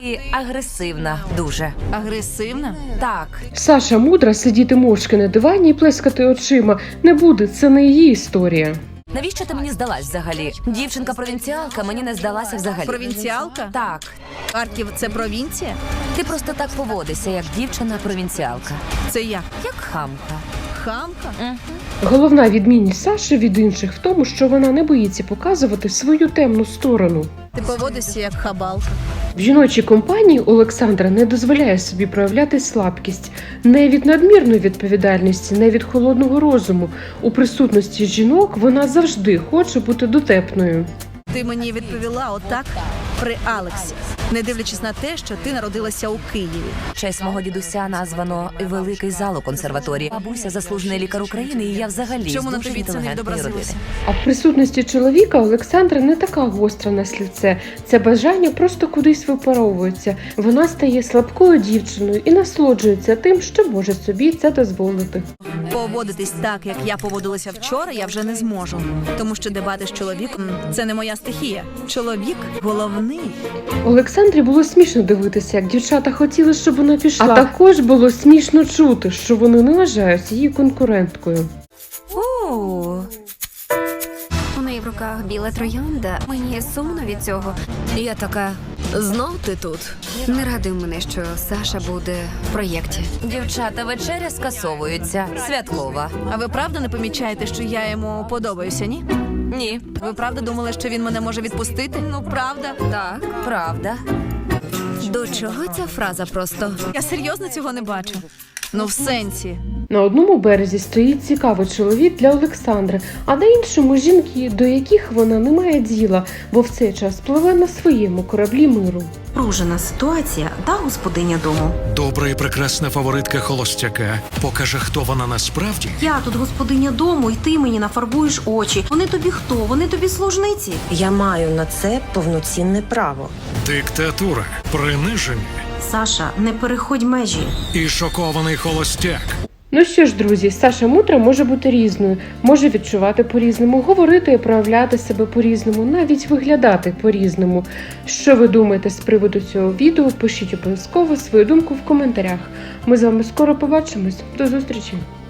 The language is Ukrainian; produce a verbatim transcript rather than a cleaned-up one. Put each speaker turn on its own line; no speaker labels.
І агресивна дуже.
Агресивна?
Так.
Саша мудра сидіти мовчки на дивані і плескати очима не буде, це не її історія.
Навіщо ти мені здалась взагалі? Дівчинка-провінціалка мені не здалася взагалі.
Провінціалка?
Так.
Харків – це провінція?
Ти просто так поводишся, як дівчина-провінціалка.
Це як?
Як хамка.
Хамка?
Угу.
Головна відмінність Саші від інших в тому, що вона не боїться показувати свою темну сторону.
Ти поводишся як хабалка.
В жіночій компанії Олександра не дозволяє собі проявляти слабкість. Не від надмірної відповідальності, не від холодного розуму. У присутності жінок вона завжди хоче бути дотепною.
Ти мені відповіла отак при Алексі, не дивлячись на те, що ти народилася у Києві.
В честь мого дідуся названо великий зал у консерваторії. Бабуся заслужений лікар України, і я взагалі
Чому
з
на
дуже
тобі це не
інтелігентної родини.
відобразилося?
А в присутності чоловіка Олександра не така гостра на слівце. Це бажання просто кудись випаровується. Вона стає слабкою дівчиною і насолоджується тим, що може собі це дозволити.
Поводитись так, як я поводилася вчора, я вже не зможу. Тому що дебати з чоловіком – це не моя стихія. Чоловік – головний.
Олександрі було смішно дивитися, як дівчата хотіли, щоб вона пішла. А також було смішно чути, що вони не вважають її конкуренткою.
У,
У неї в руках біла троянда. Мені сумно від цього.
я така, знов ти тут?
Не радуй мене, що Саша буде в проєкті.
Дівчата, вечеря скасовується. Святкова.
А ви правда не помічаєте, що я йому подобаюся, ні?
Ні.
Ви правда думали, що він мене може відпустити? Ну, правда.
Так, правда.
До чого ця фраза просто?
Я серйозно цього не бачу. Ну, в сенсі.
На одному березі стоїть цікавий чоловік для Олександри, а на іншому жінки, до яких вона не має діла, бо в цей час пливе на своєму кораблі миру.
Напружена ситуація та господиня дому.
Добра і прекрасна фаворитка холостяка покаже, хто вона насправді.
Я тут господиня дому, і ти мені нафарбуєш очі. Вони тобі хто? Вони тобі служниці?
Я маю на це повноцінне право.
Диктатура, приниження
Саша, не переходь межі.
і шокований холостяк.
Ну що ж, друзі, Саша мудра може бути різною, може відчувати по-різному, говорити і проявляти себе по-різному, навіть виглядати по-різному. Що ви думаєте з приводу цього відео? Пишіть обов'язково свою думку в коментарях. Ми з вами скоро побачимось. До зустрічі!